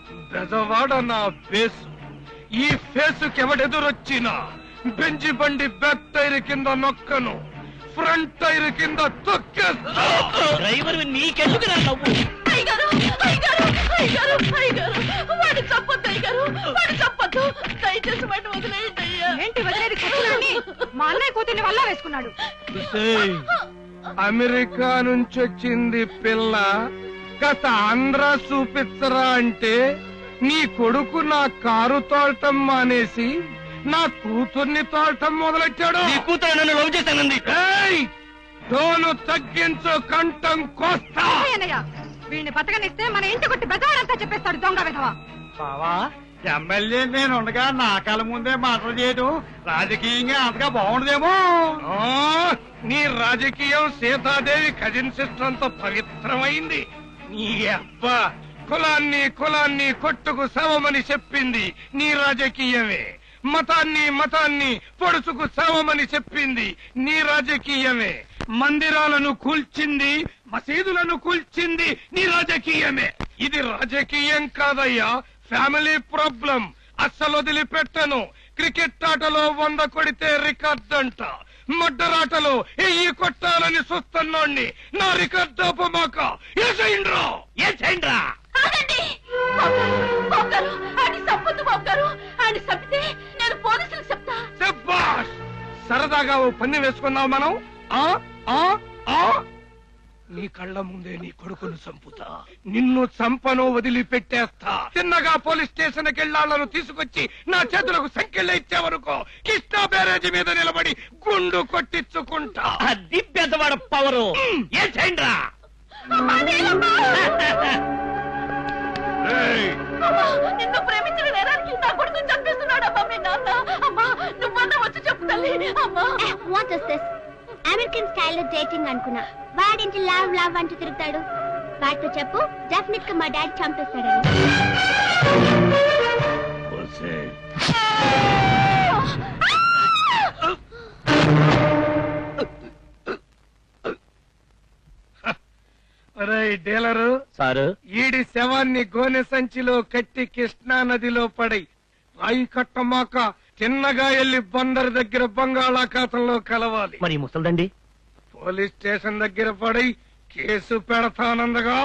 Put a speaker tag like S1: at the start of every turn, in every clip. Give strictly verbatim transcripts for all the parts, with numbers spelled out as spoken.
S1: బెజవాడ నా ఫేసు. ఈ ఫేసుకి ఎవడెదురొచ్చినా బెంజి బండి బ్యాక్ టైర్ కింద నొక్కను, ఫ్రంట్ టైర్ కింద తొక్కేస్తా.
S2: డ్రైవర్ నీకెందుకు నవ్వు?
S3: అయ్యగారు అయ్యగారు అయ్యగారు అయ్యగారు వాడు చంపొద్దు, అయ్యగారు వాడు చంపొద్దు, దయచేసి వాడిని వదిలేయండి అయ్యా.
S4: ఏంటి వదిలేది? కూతురాన్ని మా అన్నయ్య కూతుర్ని వల్ల వేసుకున్నాడు.
S1: అమెరికా నుంచి వచ్చింది పిల్ల, గత ఆంధ్ర చూపించరా అంటే నీ కొడుకు నా కారు తోలటం మానేసి నా కూతుర్ని తోలటం మొదలెట్టాడు.
S2: నీ కూతురు నన్ను లవ్ చేశానంది.
S1: టోను తగ్గించు, కంఠం కోస్తా.
S4: అన్నయ్య వీడిని బతకనిస్తే మన ఇంటి కొట్టి బెజవాడంతా చెప్పేస్తాడు దొంగ విధవ.
S5: బావా, ఎమ్మెల్యే నేను ఉండగా నా కళ్ళ ముందే మాటలు చేయడం రాజకీయంగా అంతగా బాగుండదేమో.
S1: నీ రాజకీయం సీతాదేవి కజిన్ సిస్టర్ అంత పవిత్రమైంది. నీ అబ్బా కులాన్ని కులాన్ని కొట్టుకు సవమని చెప్పింది నీ రాజకీయమే. మతాన్ని మతాన్ని పొడుచుకు సవమని చెప్పింది నీ రాజకీయమే. మందిరాలను కూల్చింది, మసీదులను కూల్చింది నీ రాజకీయమే. ఇది రాజకీయం కాదయ్యా, ఫ్యామిలీ ప్రాబ్లం. అస్సలు వదిలిపెట్టను. క్రికెట్ ఆటలో వంద కొడితే రికార్డ్ అంట, మడ్డరాటలో ఎయ్యి కొట్టాలని చూస్తున్నాణ్ణి. నా రికార్డ్ ఆపమాక. ఏ చేయండ్రా ఏ చేయండ్రా శభాష్. సరదాగా ఓ పన్ని వేసుకున్నావు మనం. ఆ ఆ ఆ నీ కళ్ళ ముందే నీ కొడుకును చంపుతా, నిన్ను చంపను, వదిలిపెట్టేస్తా. చిన్నగా పోలీస్ స్టేషన్ కెళ్ళాళ్లను తీసుకొచ్చి నా చేతులకు సంఖ్యలు ఇచ్చేవరకు కృష్ణా బ్యారేజీ మీద నిలబడి గుండు కొట్టించుకుంటా.
S2: అది పెద్దవాడ పవరు. ఏ చేయండ్రా.
S3: నిన్ను ప్రేమించిన నేరానికి నా కొడుకుని చంపేస్తున్నాడు అమ్మా మీ నాన్న. అమ్మా నువ్వన్నా వచ్చి చెప్పు తల్లి. అమ్మా
S6: వాట్ ఇస్ దిస్? అమెరికన్ స్టైల్లో డేటింగ్ అనుకున్నా, వాడింటి లావ్ లావ్ అంటూ తిరుగుతాడు. వాడితో చెప్పు డెఫినెట్ గా మా డాడీ చంపేస్తాడని.
S1: డీలరు
S2: సారు,
S1: ఈడి శవాన్ని గోనె సంచిలో కట్టి కృష్ణా నదిలో పడి రాయి కట్టమాక చిన్నగా ఎల్లి బందరు దగ్గర బంగాళాఖాతంలో కలవాలి.
S2: మరి ముసల్దండి
S1: పోలీస్ స్టేషన్ దగ్గర పడి కేసు పెడతానందగా.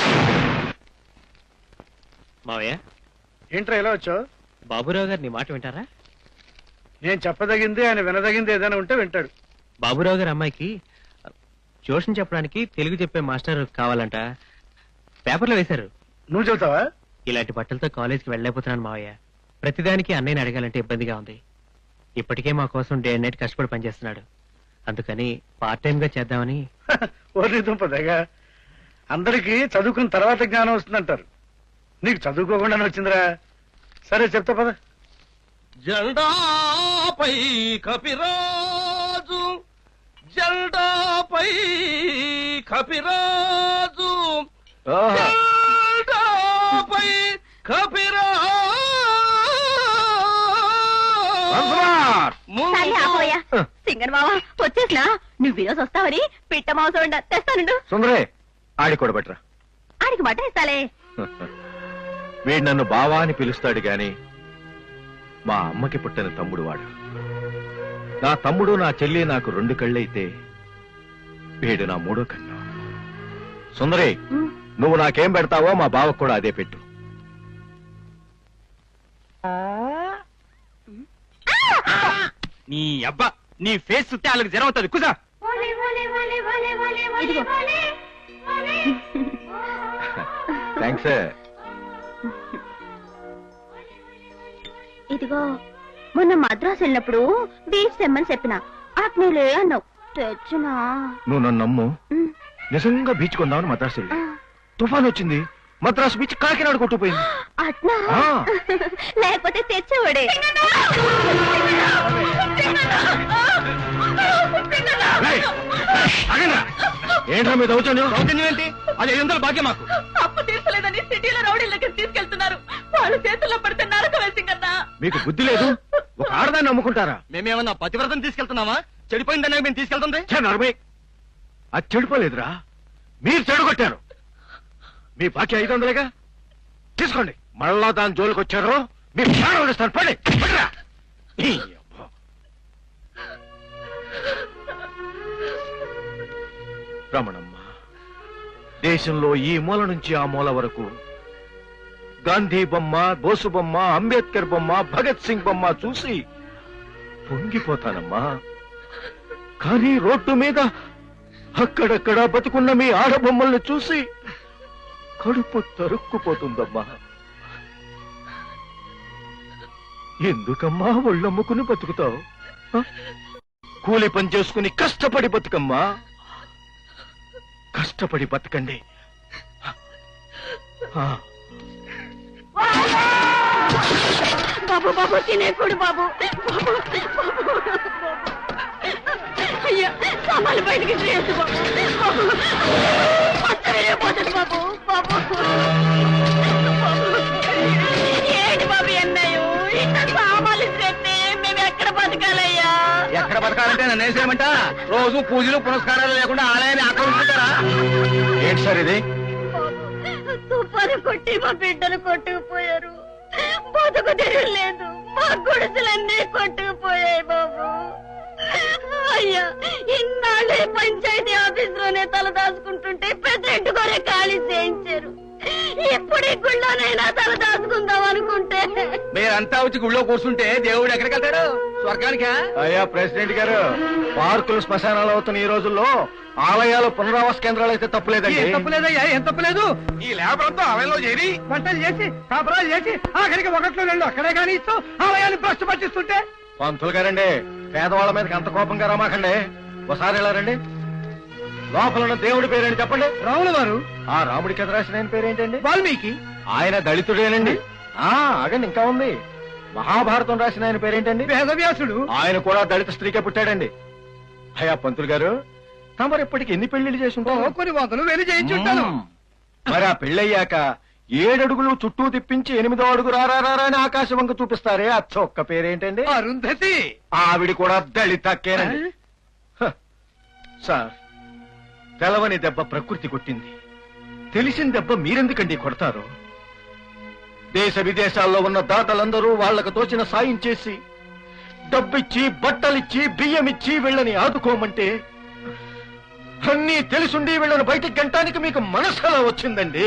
S2: మావయ్య,
S5: ఏంట్రా ఎలా వచ్చావు?
S2: బాబురావు గారు నీ మాట వింటారా?
S5: నేను చెప్పదగింది ఆయన వినదగింది ఏదైనా ఉంటే వింటాడు.
S2: బాబురావు గారి అమ్మాయికి ట్యూషన్ చెప్పడానికి తెలుగు చెప్పే మాస్టర్ కావాలంట. పేపర్లో వేశారు.
S5: నువ్వు చెబుతావా?
S2: ఇలాంటి బట్టలతో కాలేజీకి వెళ్ళలేకపోతున్నాను మావయ్య. ప్రతిదానికి అన్నయ్యని అడగాలంటే ఇబ్బందిగా ఉంది. ఇప్పటికే మా కోసం డే అండ్ నైట్ కష్టపడి పనిచేస్తున్నాడు. అందుకని పార్ట్ టైం గా చేద్దామని.
S5: ఓరి దుంపదగా, అందరికి చదువుకున్న తర్వాత జ్ఞానం వస్తుందంటారు. నీకు చదువుకోకుండానే వచ్చిందిరా. సరే చెప్తా పద.
S1: జెండాపై కపిరాజు, జెండాపై కపిరాజు, జెండాపై కపిరాజు.
S3: సింగర్ బావా వచ్చేసినా, నువ్వు వినోస్ వస్తావని పిట్ట మాంసం తెస్తానుండు.
S7: సుందరే, ఆడి కూడా బెటరా.
S3: ఆడికి మటన్ ఇస్తాలే.
S7: వీడు నన్ను బావా అని పిలుస్తాడు గాని మా అమ్మకి పుట్టిన తమ్ముడు వాడు. నా తమ్ముడు నా చెల్లి నాకు రెండు కళ్ళైతే వీడు నా మూడో కన్ను. సుందరే, నువ్వు నాకేం పెడతావో మా బావకు కూడా అదే పెట్టు.
S2: నీ అబ్బా, నీ ఫేస్ చుట్టే వాళ్ళకి జ్వరం అవుతుంది. కుసా.
S7: థ్యాంక్స్.
S6: ఇదిగో, మొన్న మద్రాసు వెళ్ళినప్పుడు బీచ్ తెమ్మని చెప్పిన ఆత్మీయులే అన్నావు, తెచ్చినా.
S7: నువ్వు నన్ను నమ్ము, నిజంగా బీచ్ కొందామని మద్రాసు వెళ్ళి తుఫాన్ వచ్చింది. మద్రాసు బీచ్ కాకినాడ కొట్టుకుపోయింది.
S6: అట్నా? లేకపోతే తెచ్చేవాడే.
S7: ఏంట్రా మీద
S2: దౌర్జన్యం ఏంటి? అది ఐదు వందలు బాకీ మాకు.
S3: అప్పు తీర్చలేదని సిటీలో రౌడీలకి తీసుకెళ్తున్నారు. వాళ్ళు చేతుల్లో పడితే నరకం వేసింగన్నా.
S7: మీకు బుద్ధి లేదు? ఒక ఆడదాన్ని నమ్ముకుంటారా?
S2: మేమేమన్నా పతివ్రతం తీసుకెళ్తున్నామా? చెడిపోయిందనే మేము తీసుకెళ్తుంది.
S7: నరమే, అది చెడిపోలేదురా, మీరు చెడగొట్టారు. మీ బాకీ ఐదు వందలేగా, తీసుకోండి. మళ్ళా దాని జోలికి వచ్చారు మీ ప్రాణం వదిలేస్తాను. పడి పడిరా. ఈ అబ్బా. రమణమ్మ, దేశంలో ఈ మూల నుంచి ఆ మూల వరకు గాంధీ బొమ్మ, బోసు బొమ్మ, అంబేద్కర్ బొమ్మ, భగత్ సింగ్ బొమ్మ చూసి పొంగిపోతానమ్మా. కానీ రోడ్డు మీద అక్కడక్కడ బతుకున్న మీ ఆడబొమ్మల్ని చూసి కడుపు తరుక్కుపోతుందమ్మా. ఎందుకమ్మా ఒళ్ళమ్ముకుని బతుకుతావు? కూలి పని చేసుకుని కష్టపడి బతుకమ్మా. కష్టపడి బతకండి.
S3: బాబు బాబు తినేకూడు బాబు. అయ్యా సామాన్లు బయటికి చేయొద్దు బాబు. పోతుంది బాబు. బాబు ఏంటి బాబు ఎన్నయ్యో ఇంత సామాన్లు చేస్తే మేము ఎక్కడ బతకాలయ్యా?
S5: ఎక్కడ బతకాలంటే నన్ను వేసేయమంట? రోజు పూజలు పునస్కారాలు లేకుండా ఆలయాన్ని ఆక్రమించుకుంటారా?
S7: ఏంటి సార్ ఇది?
S3: తుఫాను కొట్టి మా బిడ్డలు కొట్టుకుపోయారు. బతుకు తెరలేదు. మా గుడిసెలన్నీ కొట్టుకుపోయాయి బాబు. అయ్యా ఇన్నాళ్ళే పంచాయతీ ఆఫీస్ లోనే తల దాచుకుంటుంటే పెద్ద కొరే ఖాళీ చేయించారు. ఇప్పుడు ఈ గుళ్ళోనైనా తల దాచుకుందాం అనుకుంటే
S5: మీరంతా వచ్చి గుళ్ళో కూర్చుంటే దేవుడు ఎక్కడికి వెళ్తాడు? స్వర్గానికా?
S7: అయ్యా ప్రెసిడెంట్ గారు, పార్కులు శ్మశానాలు అవుతున్న ఈ రోజుల్లో ఆలయాలు పునరావాస కేంద్రాలు అయితే తప్పులేదండి.
S5: ఏం తప్పులేదయ్యా, ఏం తప్పులేదు. ఈ లేబర్ అంతా ఆలయంలో చేరి వంటలు చేసి కాపురాలు చేసి ఆఖరికి ఒకట్లో రెండు అక్కడే కానీ ఇస్తూ ఆలయాన్ని భ్రష్టు పట్టిస్తుంటే.
S7: పంతులు గారండి, పేదవాళ్ళ మీదకి అంత కోపంగా రమాకండి. ఒకసారి ఎలా రండి. లోపల ఉన్న దేవుడి పేరేంటి చెప్పండి.
S5: రాముల వారు.
S7: ఆ రాముడికి ఎదురు రాసిన ఆయన పేరేంటండి?
S5: వాల్మీకి.
S7: ఆయన దళితుడేనండి. ఆ ఆగండి, ఇంకా ఉంది. మహాభారతం రాసిన ఆయన పేరేంటండి?
S5: వేదవ్యాసుడు.
S7: ఆయన కూడా దళిత స్త్రీకే పుట్టాడండి. అయ్యా పంతులు గారు, తమరు ఇప్పటికి ఎన్ని పెళ్లిళ్ళు చేసి ఉంటారు?
S5: కొన్ని వందలు వెళ్ళి చేయించుంటాను.
S7: మరి ఆ పెళ్ళయ్యాక ఏడడుగులు చుట్టూ తిప్పించి ఎనిమిదో అడుగు రారా అని ఆకాశ వంక చూపిస్తారే, ఆ చొక్క పేరేంటండి?
S5: అరుంధతి.
S7: ఆవిడ కూడా దళితక్కేనండి. హ, సార్, తెలవని దెబ్బ ప్రకృతి కొట్టింది, తెలిసిన దెబ్బ మీరెందుకండి కొడతారు? దేశ విదేశాల్లో ఉన్న దాతలందరూ వాళ్లకు తోచిన సాయం చేసి డబ్బిచ్చి బట్టలిచ్చి బియ్యమిచ్చి వీళ్ళని ఆదుకోమంటే అన్నీ తెలుసుండి వీళ్ళని బయటికి గంటానికి మీకు మనసులా వచ్చిందండి.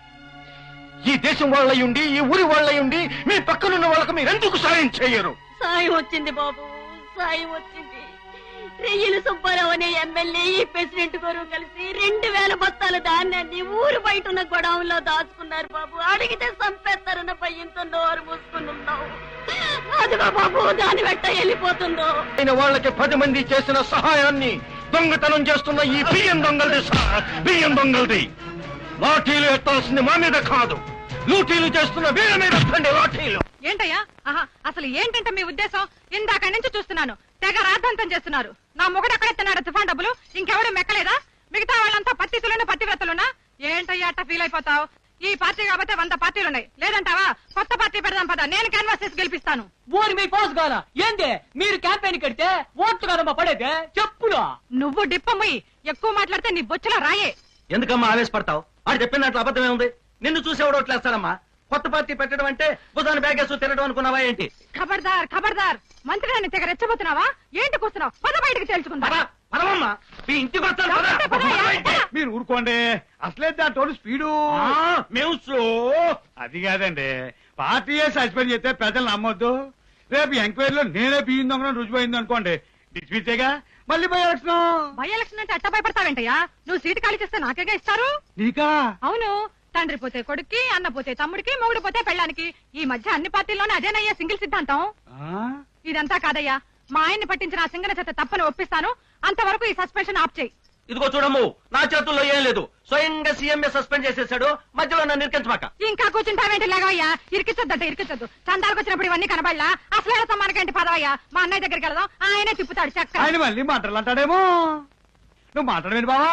S7: ఈ దేశం వాళ్ళయుండి ఈ ఊరి వాళ్ళయుండి మీ పక్కనున్న వాళ్ళకి మీరెందుకు సాయం చేయరు?
S3: సాయం వచ్చింది బాబు, సాయం వచ్చింది. రెయ్యలు సుబ్బారావు అనే ఎమ్మెల్యే ఈ ప్రెసిడెంట్ గారు కలిసి రెండు వేల బస్తాల ధాన్యాన్ని ఊరు బయట ఉన్న గొడవల్లో దాచుకున్నారు బాబు. అడిగితే సంపేస్తారన్న భయంతో నోరు మూసుకుని ఉన్నావు. అదిగో బాబు దాని వెంట వెళ్ళిపోతుందో.
S7: ఆయన వాళ్ళకి పది మంది చేసిన సహాయాన్ని దొంగతనం చేస్తున్న ఈ బియ్యం దొంగలది సార్, బియ్యం దొంగలది. లాఠీలు ఎత్తాల్సింది మా మీద కాదు, లూటీలు చేస్తున్న వీళ్ళ మీద ఎత్తండి లాఠీలు.
S4: ఏంటయ్యా? ఆహా, అసలు ఏంటంటే మీ ఉద్దేశం? ఇందాక నుంచి చూస్తున్నాను, తెగ రాద్ధాంతం చేస్తున్నారు. నా మొగుడు ఎక్కడెత్తున్నాడు తుఫాన్ డబ్బులు? ఇంకెవరు మెక్కలేదా? మిగతా వాళ్ళంతా పత్తితులున్నా పత్తివ్రతలున్నా? ఏంటయ్యా అట్ట ఫీల్ అయిపోతావు? ఈ పార్టీ కాబట్టి వంద పార్టీలున్నాయి, లేదంటావా? కొత్త పార్టీ పెడదాం పద, నేను క్యాన్వాస్ చేసి గెలిపిస్తాను.
S8: ఊరి మీ పోసు కాదా ఏంది? మీరు క్యాంపెయిన్ కడితే ఓట్లు కాదమ్మా పడేదే చెప్పులు.
S4: నువ్వు డిప్పమ్మి ఎక్కువ మాట్లాడితే నీ బొచ్చులో రాయే.
S8: ఎందుకమ్మా ఆవేశపడతావు? ఆడు చెప్పిన దాంట్లో అబద్ధమే ఉంది. నిన్ను చూసేవాడు ఓట్లేస్తాడమ్మా. కొత్త పార్టీ పెట్టడం అంటే బుధాన్ని బ్యాగేసు తిరగడం అనుకున్నావా ఏంటి?
S4: ఖబర్దార్ ఖబర్దార్, మంత్రి నన్ను తెగ రెచ్చబోతున్నావా? ఏంటి కూస్తున్నావు? పద బయటకు తేల్చుకుంటా.
S8: పదమమ్మా, మీ ఇంటికి వస్తాను.
S5: మీరు ఊరుకోండి, అసలే దాంట్లో స్పీడు
S8: మేము స్లో.
S5: అది కాదండి, పార్టీయే సస్పెండ్ చేస్తే ప్రజలు నమ్మొద్దు. రేపు ఎంక్వైరీలో నేనే బియ్యం దొంగ రుజువైంది అనుకోండి, డిస్మిసేగా మళ్ళీ బై ఎలక్షన్.
S4: బై ఎలక్షన్ అంటే అట్ట భయపడతావేంటయ్యా? నువ్వు సీటు ఖాళీ చేస్తే నాకేగా ఇస్తారు.
S5: నీకా?
S4: అవును, తండ్రి పోతే కొడుక్కి, అన్న పోతే తమ్ముడికి, మొగుడు పోతే పెళ్ళానికి. ఈ మధ్య అన్ని పార్టీల్లోనే అదేనయ్యా సింగిల్ సిద్ధాంతం. ఇదంతా కాదయ్యా, మా ఆయన్ని పట్టించిన ఆ సింగన చేత తప్పని ఒప్పిస్తాను. అంతవరకు ఈ సస్పెన్షన్ ఆప్ చేయి.
S8: ఇదిగో చూడము, నా చేతుల్లో ఏం లేదు. స్వయంగా సీఎంఏ సస్పెండ్ చేసేసాడు. మధ్యలో నన్ను ఇరికించమాక.
S4: ఇంకా కూర్చుంటావేంటి లేవయ్యా? ఇరికిచ్చొద్దట ఇరికిచ్చొద్దు. చందాలకు వచ్చినప్పుడు ఇవన్నీ కనబడలా? అసలు సమ్మానకేంటి పదవయ్యా? మా అన్నయ్య దగ్గరికి వెళ్దాం, ఆయనే తిప్పుతాడు చక్క.
S5: ఆయన మళ్ళీ మాటలు అంటాడేమో. నువ్వు మాట్లాడవేంటి బావా?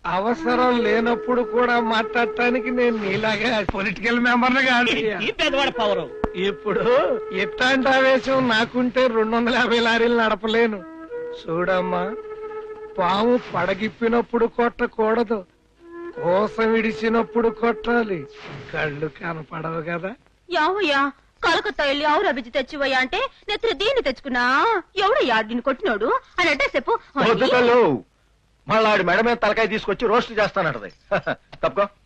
S1: అవసరం లేనప్పుడు కూడా మాట్లాడటానికి నేను నీలాగా పొలిటికల్ మెంబర్ కాదు.
S8: పేదవాడ పవరు.
S1: ఇప్పుడు ఇట్లాంటి ఆవేశం నాకుంటే రెండు వందల యాభై లారీలు నడపలేను. చూడమ్మా, పాము పడగిప్పినప్పుడు కొట్టకూడదు, కోసం విడిచినప్పుడు కొట్టాలి. కళ్ళు కనపడవు కదా.
S3: యావయ్యా కలకత్తా వెళ్ళి ఆవురా బిజ్జి తెచ్చివయ్యా అంటే నెత్తిన దీన్ని తెచ్చుకున్నా ఎవడయ్యా దీన్ని కొట్టినోడు అని అంటే చెప్పు
S7: మళ్ళీ ఆడి మెడ మీద తలకాయ తీసుకొచ్చి రోస్ట్ చేస్తానంటది తప్పుకో